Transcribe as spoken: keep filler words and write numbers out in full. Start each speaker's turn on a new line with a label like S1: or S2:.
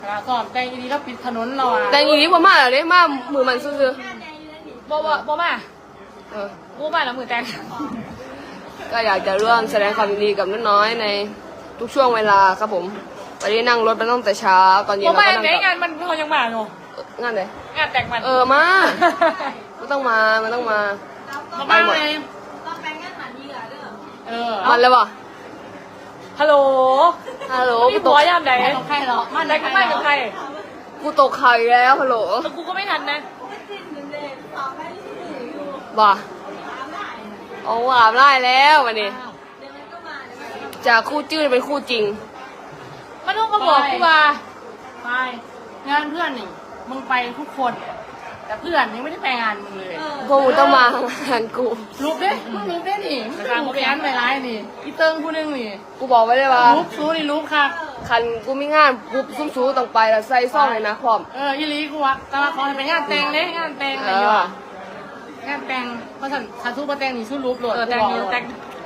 S1: สอบแต่งดีแล้วปิดถนนเราอ่ะ
S2: แต่งอีนี้บ่มาเลยมามือมันซื่อ
S1: บ่บ่บ่มา
S2: ๆเออ
S1: บ่มาแล้วมือแต่ง
S2: ก็อยากจะร่วมแสดงความยินดีกับน้อยๆในทุกช่วงเวลาครับผมวันนี้นั่งรถมาตั้งแต่เช้าตอนเย็น
S1: บ่
S2: เรา
S1: มา
S2: ก็นั่ง
S1: ไหน
S2: กลับ
S1: งานมันเขายังมาเนาะ
S2: งานไหน
S1: งานแต่งมัน
S2: เออมาไม่ต้องมาไม่ต้องมา
S1: บ่
S2: ไป
S1: มา
S2: หมด
S1: เลยเออ
S2: มันเลยป่ะ
S1: ฮัลโหล
S2: ฮัลโหล
S1: มี
S2: กูต
S1: ผั
S2: ก
S1: วยามใด
S3: ของใครเหรอ
S1: มันได้ก็ไม่กับใคร
S2: กูตกไข่แล้วฮัลโหล
S1: แล้วกูก็ไม่ทันนะ
S2: บ่าโอ้อาบได้แล้ววันนี้จากคู่จื้อเป็นคู่จริง
S1: มันต้องมาบอกกูว่า
S3: ไปงานเพื่อนนี่มึงไปทุกคน แต่เพื่อนยังไม่ได้ไปงานมึงเลย
S2: พวกมึงต้องมา งานกู
S3: รูปเด้มึงรูปเด้นี่มึงรูปแอนไปร้ายนี่อีเติ้งผู้หนึงนี่
S2: กูบอกไว้เลยว่า
S3: รูปซูนี่รูปค่ะ
S2: คันกูมีงานปุ๊บซุ้มซูต้องไปแล้วใส่ซ่องเลยนะพร้อม
S3: เอออีหลีกูว่าแต่ว่าขอให้เป็นงานแต่งเด้งานแต่ง
S2: เอ
S3: อะไรอยู่
S2: อ
S3: อะงานแต่งเพราะฉันถ้าสู้มาแต่งนี่สู้รูปโหลด
S1: เออแต่ง
S3: กูบก
S1: แต่ง